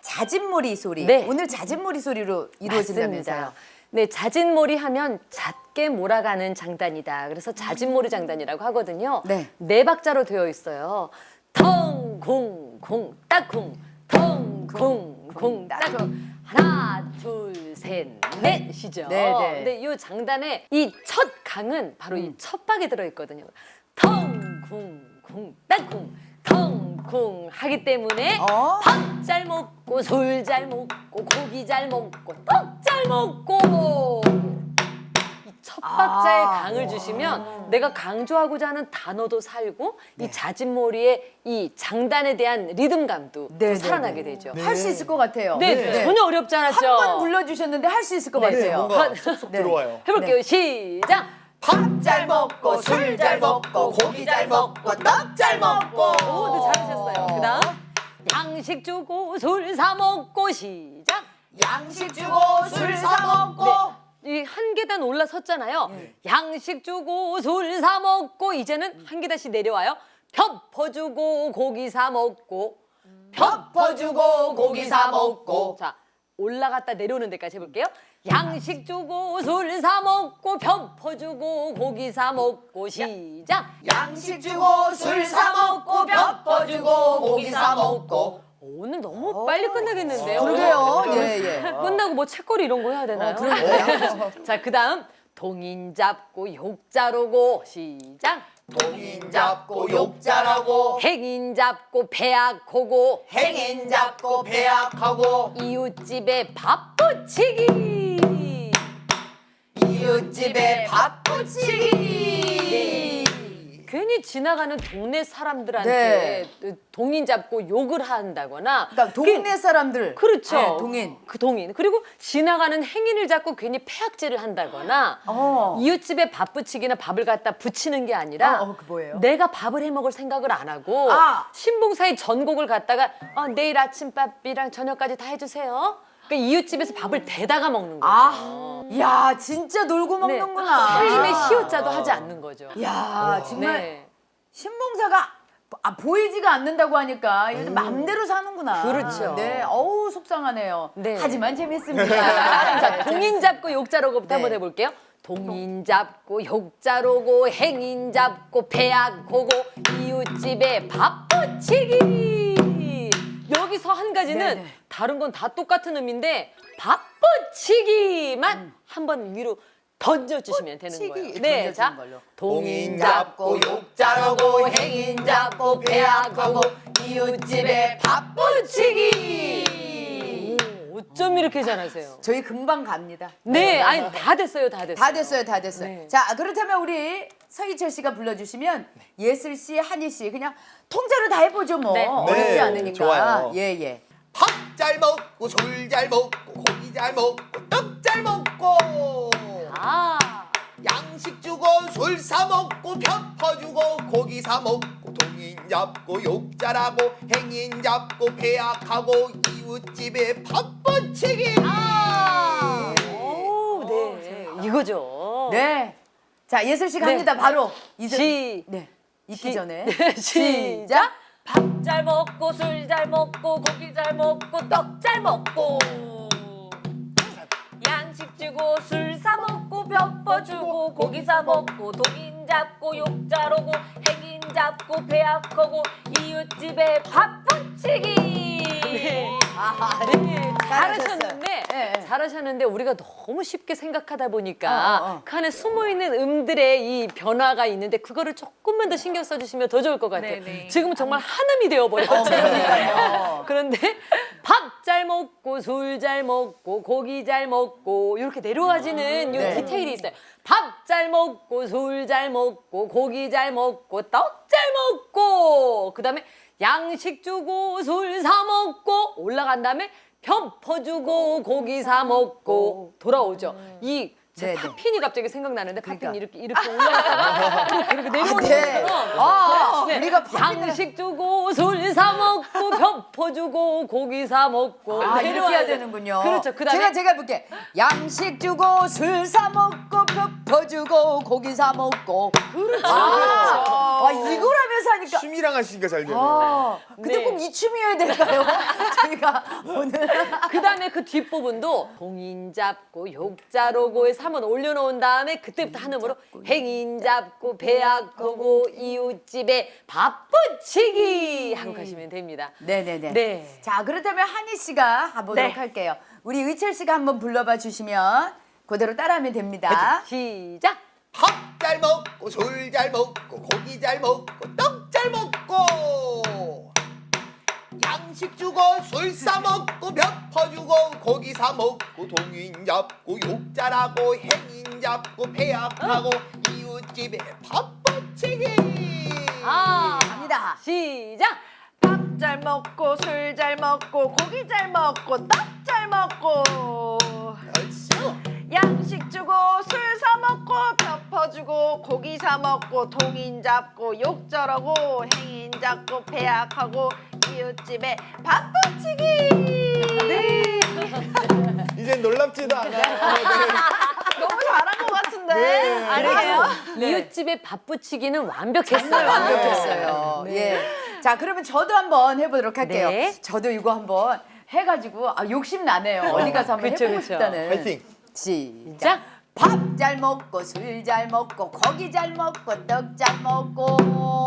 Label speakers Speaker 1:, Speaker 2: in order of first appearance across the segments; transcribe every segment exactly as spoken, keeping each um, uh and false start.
Speaker 1: 자진몰이 소리.
Speaker 2: 네.
Speaker 1: 오늘 자진몰이 소리로 이루어진다면서요.
Speaker 2: 맞습니다. 네, 자진몰이 하면 잦게 몰아가는 장단이다. 그래서 자진몰이 장단이라고 하거든요.
Speaker 1: 네.
Speaker 2: 네 박자로 되어 있어요. 텅, 쿵, 쿵, 딱쿵, 텅, 쿵, 쿵, 딱쿵. 하나, 둘, 셋, 넷이죠.
Speaker 1: 네, 네.
Speaker 2: 근데 이 장단에 이 첫 강은 바로 이 첫 박에 들어 있거든요. 텅, 쿵, 쿵, 딱쿵, 텅, 쿵 하기 때문에
Speaker 1: 어?
Speaker 2: 밥 잘 먹고 술 잘 먹고 고기 잘 먹고 떡 잘 먹고 이 첫 박자에
Speaker 1: 아.
Speaker 2: 강을 주시면 내가 강조하고자 하는 단어도 살고 이 자진몰이의 이 장단에 대한 리듬감도
Speaker 1: 네, 네,
Speaker 2: 살아나게
Speaker 1: 네.
Speaker 2: 되죠.
Speaker 1: 할 수 있을 것 같아요.
Speaker 2: 네, 전혀 어렵지 않았죠.
Speaker 1: 한 번 불러주셨는데 할 수 있을 것
Speaker 2: 네,
Speaker 1: 같아요.
Speaker 3: 뭔가 쏙쏙
Speaker 1: 네.
Speaker 3: 들어와요.
Speaker 2: 해볼게요. 시작.
Speaker 1: 밥 잘 먹고 술 잘 먹고 고기 잘 먹고 떡 잘 먹고.
Speaker 2: 오, 네, 잘하셨어요. 그다음 양식 주고 술 사 먹고 시작.
Speaker 1: 양식 주고 술 사 먹고.
Speaker 2: 이 한 계단 올라섰잖아요. 양식 주고 술 사 먹고 이제는 한 계단씩 내려와요. 펴퍼 주고 고기 사 먹고
Speaker 1: 펴퍼 주고 고기 사 먹고.
Speaker 2: 자, 올라갔다 내려오는 데까지 해볼게요. 양식 주고 술 사 먹고 펴퍼 주고 고기 사 먹고 시작.
Speaker 1: 양식 주고 술 사 먹고 펴퍼 주고 고기 사 먹고.
Speaker 2: 오늘 너무 빨리 끝나겠는데요.
Speaker 1: 그러게요. 예, 예.
Speaker 2: 끝나고 뭐 책거리 이런 거 해야 되나요?
Speaker 1: 그러게요.
Speaker 2: 자, 그다음 동인 잡고 욕자로고 시작.
Speaker 1: 동인 잡고 욕 잘하고
Speaker 2: 행인 잡고 배약하고
Speaker 1: 행인 잡고 배약하고
Speaker 2: 이웃집에 밥 부치기.
Speaker 1: 이웃집에 밥 부치기.
Speaker 2: 괜히 지나가는 동네 사람들한테 동인 잡고 욕을 한다거나
Speaker 1: 그러니까 동네 사람들.
Speaker 2: 그렇죠.
Speaker 1: 네, 동인.
Speaker 2: 그 동인. 그리고 지나가는 행인을 잡고 괜히 폐악질을 한다거나
Speaker 1: 어.
Speaker 2: 이웃집에 밥 부치기나 밥을 갖다 부치는 게 아니라
Speaker 1: 어, 어, 그 뭐예요?
Speaker 2: 내가 밥을 해 먹을 생각을 안 하고
Speaker 1: 아.
Speaker 2: 신봉사의 전곡을 갖다가 어, 내일 아침밥이랑 저녁까지 다 해주세요. 그러니까 이웃집에서 밥을 대다가 먹는 거죠.
Speaker 1: 아, 야 진짜 놀고
Speaker 2: 네.
Speaker 1: 먹는구나.
Speaker 2: 살림의 시효자도 하지 않는 거죠.
Speaker 1: 야 정말
Speaker 2: 네.
Speaker 1: 신봉사가 아, 보이지가 않는다고 하니까 요즘 맘대로 사는구나.
Speaker 2: 그렇죠.
Speaker 1: 네, 어우 속상하네요.
Speaker 2: 네.
Speaker 1: 하지만 재밌습니다.
Speaker 2: 자,
Speaker 1: 네,
Speaker 2: 동인 잡고 욕자로고부터
Speaker 1: 네.
Speaker 2: 한번 해볼게요. 동인 잡고 욕자로고 행인 잡고 배약하고 이웃집에 밥 부치기. 여기서 한 가지는
Speaker 1: 네네.
Speaker 2: 다른 건 다 똑같은 의미인데 밥 부치기만 한번 위로 던져주시면 되는
Speaker 1: 치기
Speaker 2: 거예요.
Speaker 1: 던져주는
Speaker 2: 자,
Speaker 1: 걸로.
Speaker 2: 동인
Speaker 1: 잡고
Speaker 2: 잡고
Speaker 1: 욕 잘하고 행인 잡고 배약하고 이웃집에 밥 부치기.
Speaker 2: 오, 어쩜 이렇게 잘하세요?
Speaker 1: 저희 금방 갑니다.
Speaker 2: 네, 아니 다 됐어요, 다 됐어요.
Speaker 1: 다 됐어요, 다 됐어요.
Speaker 2: 네.
Speaker 1: 자, 그렇다면 우리 서희철 씨가 불러주시면 예슬 씨, 한희 씨 그냥 통째로 다 해보죠 뭐.
Speaker 2: 네.
Speaker 1: 어렵지
Speaker 3: 네,
Speaker 1: 않으니까.
Speaker 3: 좋아요.
Speaker 1: 예, 예.
Speaker 3: 밥 잘 먹고 술 잘 먹고 고기 잘 먹고 떡 잘 먹고
Speaker 2: 아,
Speaker 3: 양식 주고 술 사 먹고 펴퍼 주고 고기 사 먹고 동인 잡고 욕 잘하고 행인 잡고 배약하고 이웃집에 밥 부치기.
Speaker 1: 아.
Speaker 2: 오, 네, 이거죠.
Speaker 1: 네. 자, 예슬 씨 갑니다.
Speaker 2: 네.
Speaker 1: 바로 이제
Speaker 2: 시-
Speaker 1: 네. 잊기
Speaker 2: 시-
Speaker 1: 전에
Speaker 2: 시작. 밥 잘 먹고 술 잘 먹고 고기 잘 먹고 떡 잘 먹고 양식 주고 술 사 먹고 벼퍼 주고 고기 사 먹고 동인 잡고 욕 자르고 행인 잡고 배약하고 이웃집에 밥 부치기. 네.
Speaker 1: 아,
Speaker 2: 네,
Speaker 1: 잘하셨어요.
Speaker 2: 잘하셨는데
Speaker 1: 네, 네.
Speaker 2: 잘하셨는데 우리가 너무 쉽게 생각하다 보니까
Speaker 1: 어, 어, 어.
Speaker 2: 그 안에 숨어 있는 음들의 이 변화가 있는데 그거를 조금만 더 신경 써주시면 더 좋을 것 같아요.
Speaker 4: 네네.
Speaker 2: 지금은 정말 한음이 되어버렸죠.
Speaker 1: 그러니까요.
Speaker 2: 그런데 밥 잘 먹고 술 잘 먹고 고기 잘 먹고 이렇게 내려와지는 이
Speaker 1: 네.
Speaker 2: 디테일이 있어요. 밥 잘 먹고 술 잘 먹고 고기 잘 먹고 떡 잘 먹고 그다음에 양식 주고 술 사 먹고 올라간 다음에 펴퍼 주고 고기 사 먹고 돌아오죠. 이 제
Speaker 1: 네, 네.
Speaker 2: 팝핀이 갑자기 생각나는데
Speaker 1: 그러니까.
Speaker 2: 팝핀 이렇게 이렇게 올라갔다가 이렇게 내려오는
Speaker 1: 네.
Speaker 2: 것처럼
Speaker 1: 아,
Speaker 2: 네.
Speaker 1: 우리가 팝핀을
Speaker 2: 양식 주고 술 사 먹고 벼퍼 주고 고기 사 먹고
Speaker 1: 아, 이렇게
Speaker 2: 내려와야
Speaker 1: 해야
Speaker 2: 돼.
Speaker 1: 되는군요.
Speaker 2: 그렇죠. 그다음에
Speaker 1: 제가 제가 해볼게. 양식 주고 술 사 먹고 펴 주고 고기 사 먹고. 그렇죠. 아, 와, 이걸 하면서 하니까.
Speaker 3: 춤이랑 하시니까 잘 되네요.
Speaker 1: 아, 근데
Speaker 2: 네.
Speaker 1: 꼭 이 춤이어야 될까요? 저희가 오늘.
Speaker 2: 그다음에 그 뒷부분도 봉인 잡고 욕자로고에 삼원 올려놓은 다음에 그때부터 한음으로 행인 잡고 배약하고 이웃집에 밥 부치기 하고 가시면 됩니다.
Speaker 1: 네네네.
Speaker 2: 네.
Speaker 1: 자, 그렇다면 한희 씨가 가보도록
Speaker 2: 네.
Speaker 1: 할게요. 우리 의철 씨가 한번 불러봐 주시면 그대로 따라하면 됩니다.
Speaker 2: 시작.
Speaker 3: 밥 잘 먹고 술 잘 먹고 고기 잘 먹고 떡 잘 먹고 양식 주고 술 사 먹고 벼퍼 주고 고기 사 먹고 동인 잡고 욕 잘하고 행인 잡고 배약하고 이웃집에 밥 부치기.
Speaker 2: 아,
Speaker 1: 갑니다.
Speaker 2: 시작.
Speaker 4: 밥 잘 먹고 술 잘 먹고 고기 잘 먹고 떡 잘 먹고
Speaker 3: 얼쑤.
Speaker 4: 양식 주고 술 사 먹고 벼퍼 주고 고기 사 먹고 동인 잡고 욕 저러고 행인 잡고 배약하고 이웃집에 밥 부치기.
Speaker 1: 네.
Speaker 3: 이젠 놀랍지도 않아요.
Speaker 4: 너무 잘한 것 같은데.
Speaker 3: 네.
Speaker 4: 아니에요?
Speaker 1: 네.
Speaker 2: 이웃집에 밥 부치기는 완벽했어요.
Speaker 1: 완벽했어요.
Speaker 3: 네.
Speaker 1: 예. 자, 그러면 저도 한번 해보도록 할게요.
Speaker 2: 네.
Speaker 1: 저도 이거 한번 해가지고 아, 욕심 나네요. 어디 가서 한번
Speaker 2: 그쵸,
Speaker 1: 해보고
Speaker 2: 그쵸.
Speaker 1: 싶다는.
Speaker 3: 파이팅.
Speaker 1: 시작.
Speaker 2: 시작.
Speaker 1: 밥 잘 먹고 술 잘 먹고 고기 잘 먹고 떡 잘 먹고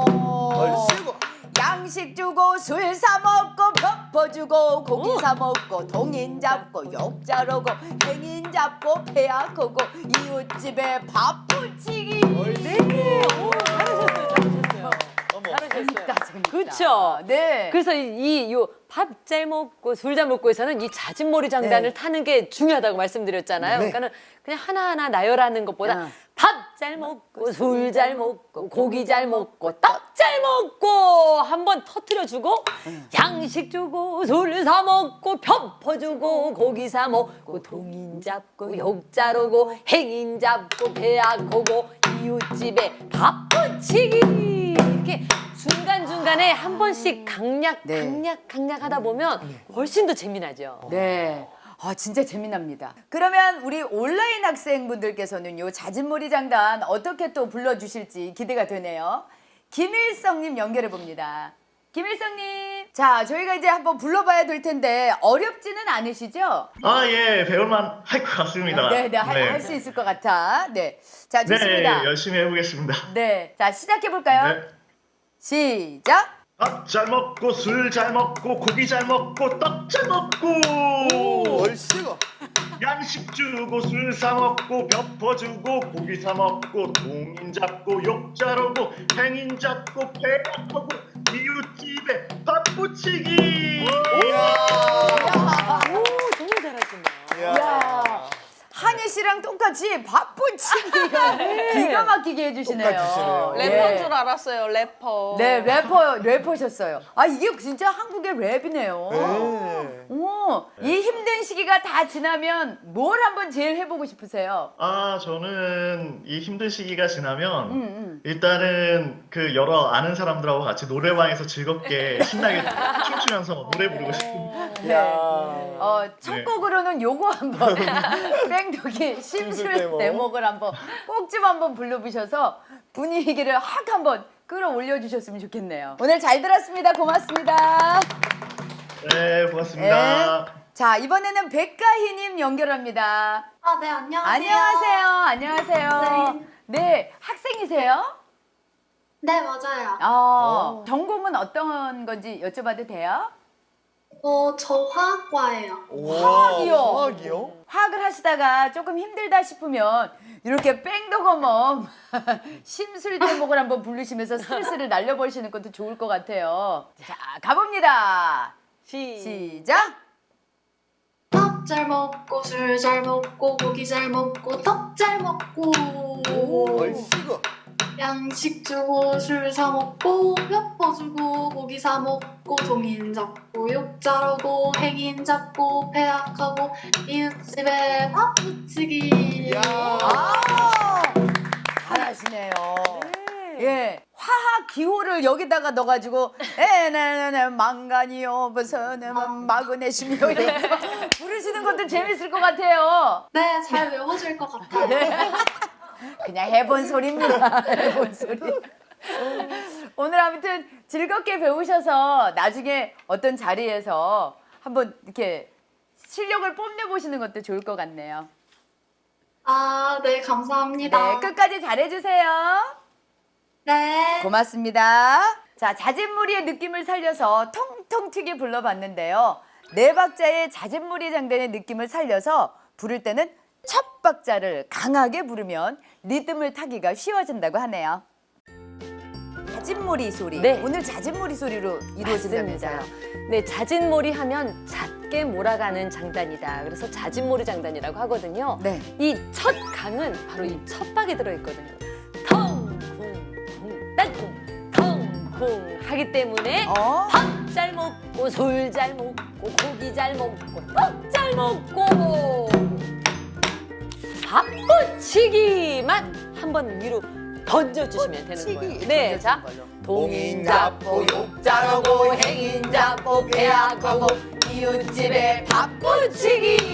Speaker 3: 얼쑤.
Speaker 1: 양식 주고 술 사 먹고 벼퍼 주고 고기 사 먹고 동인 잡고 욕 자르고 행인 잡고 배약하고 이웃집에 밥 부치기.
Speaker 2: 네. 오, 잘하셨어요. 잘하셨어요.
Speaker 3: 어머.
Speaker 2: 잘하셨어요.
Speaker 1: 재밌다, 재밌다.
Speaker 2: 그쵸?
Speaker 1: 네.
Speaker 2: 그래서 이밥 잘 먹고 술 잘 먹고에서는 이 자진몰이 장단을
Speaker 1: 네.
Speaker 2: 타는 게 중요하다고 말씀드렸잖아요.
Speaker 3: 네.
Speaker 2: 그러니까는 그냥 하나하나 나열하는 것보다
Speaker 1: 어.
Speaker 2: 밥 잘 먹고 술 잘 먹고 고기 잘 먹고 떡 잘 먹고 한번 터트려 주고 양식 주고 술 사 먹고 펴퍼 주고 고기 사 먹고 동인 잡고 욕 자르고 행인 잡고 배약하고 이웃집에 밥 부치기 이렇게 중간중간에 한 번씩 강약
Speaker 1: 네.
Speaker 2: 강약 강약 하다 보면 훨씬 더 재미나죠.
Speaker 1: 네. 아, 진짜 재미납니다. 그러면 우리 온라인 학생분들께서는요, 자진몰이 장단 어떻게 또 불러주실지 기대가 되네요. 김일성님 연결해 봅니다. 김일성님. 자, 저희가 이제 한번 불러봐야 될 텐데, 어렵지는 않으시죠?
Speaker 5: 아, 예, 배울만 할 것 같습니다.
Speaker 1: 네, 네, 할 수 있을 것 같아. 네. 자,
Speaker 5: 네,
Speaker 1: 좋습니다.
Speaker 5: 열심히 해보겠습니다.
Speaker 1: 네. 자, 시작해볼까요?
Speaker 5: 네.
Speaker 1: 시작!
Speaker 5: 밥 잘 먹고 술 잘 먹고 고기 잘 먹고 떡 잘 먹고
Speaker 3: 얼쑤.
Speaker 5: 양식 주고 술 사 먹고 벼퍼 주고 고기 사 먹고 동인 잡고 욕 자르고 행인 잡고 배약하고 이웃집에 밥 부치기.
Speaker 2: 오, 정말 잘하시네요.
Speaker 1: 야, 한희 씨랑 똑같이 바쁘치기가 기가 막히게 해주시네요.
Speaker 3: 똑같이 주시네요.
Speaker 4: 래퍼인
Speaker 1: 예.
Speaker 4: 줄 알았어요. 래퍼.
Speaker 1: 네, 래퍼, 래퍼셨어요. 아, 이게 진짜 한국의 랩이네요.
Speaker 3: 네.
Speaker 1: 오, 이 힘든 시기가 다 지나면 뭘 한번 제일 해보고 싶으세요?
Speaker 5: 아, 저는 이 힘든 시기가 지나면
Speaker 1: 음, 음.
Speaker 5: 일단은 그 여러 아는 사람들하고 같이 노래방에서 즐겁게 신나게 춤추면서 노래 부르고 싶습니다.
Speaker 1: 네. 어, 첫
Speaker 5: 네.
Speaker 1: 곡으로는 요거 한번 뺑덕이 심술
Speaker 3: 대목.
Speaker 1: 대목을 한번 꼭 좀 한번 불러보셔서 분위기를 확 한번 끌어올려 주셨으면 좋겠네요. 오늘 잘 들었습니다. 고맙습니다.
Speaker 5: 네, 고맙습니다.
Speaker 1: 네. 자, 이번에는 백가희님 연결합니다.
Speaker 6: 아, 네, 안녕하세요.
Speaker 1: 안녕하세요. 안녕하세요. 네, 학생이세요?
Speaker 6: 네, 맞아요.
Speaker 1: 어, 전공은 어떤 건지 여쭤봐도 돼요?
Speaker 6: 어, 저 화학과예요.
Speaker 1: 화학이요?
Speaker 3: 화학이요?
Speaker 1: 화학을 하시다가 조금 힘들다 싶으면 이렇게 뺑덕어멈 심술 대목을 한번 부르시면서 스트레스를 날려버리시는 것도 좋을 것 같아요. 자, 가봅니다.
Speaker 2: 시,
Speaker 1: 시작.
Speaker 6: 밥 잘 먹고 술 잘 먹고 고기 잘 먹고 떡 잘 먹고
Speaker 3: 얼쑤.
Speaker 6: 양식 주고 술 사 먹고 뼈퍼 주고 고기 사 먹고 동인 잡고 욕자르고 행인 잡고 배약하고 이웃집에 밥 붙이기.
Speaker 3: 야.
Speaker 1: 아, 잘하시네요. 예, 화학 기호를 여기다가 넣어가지고 에네네 망간이요 무슨 마그네슘이요 이렇게 부르시는 것도 재밌을 것 같아요.
Speaker 6: 네, 잘 외워질 것 같아요.
Speaker 1: 그냥 해본 소리입니다. 해본 소리. 오늘 아무튼 즐겁게 배우셔서 나중에 어떤 자리에서 한번 이렇게 실력을 뽐내보시는 것도 좋을 것 같네요.
Speaker 6: 아, 네, 감사합니다.
Speaker 1: 네, 끝까지 잘해주세요.
Speaker 6: 네.
Speaker 1: 고맙습니다. 자, 자진무리의 느낌을 살려서 통통 튀게 불러봤는데요. 네 박자의 자진무리 장단의 느낌을 살려서 부를 때는 첫 박자를 강하게 부르면 리듬을 타기가 쉬워진다고 하네요. 자진무리 소리.
Speaker 2: 네.
Speaker 1: 오늘 자진무리 소리로 이루어진다면서요.
Speaker 2: 네, 자진몰이 하면 잦게 몰아가는 장단이다. 그래서 자진몰이 장단이라고 하거든요.
Speaker 1: 네.
Speaker 2: 이 첫 강은 바로 이 첫박에 들어있거든요. 텅쿵쿵 땅쿵 텅쿵 하기 때문에
Speaker 1: 어?
Speaker 2: 밥 잘 먹고 술 잘 먹고 고기 잘 먹고 떡 잘 먹고 밥붙이기만 한번 위로 던져주시면 되는 거예요. 네, 자
Speaker 3: 동인 잡고 욕자르고 행인 잡고 배약하고
Speaker 1: 이웃집에 밥 붙이기.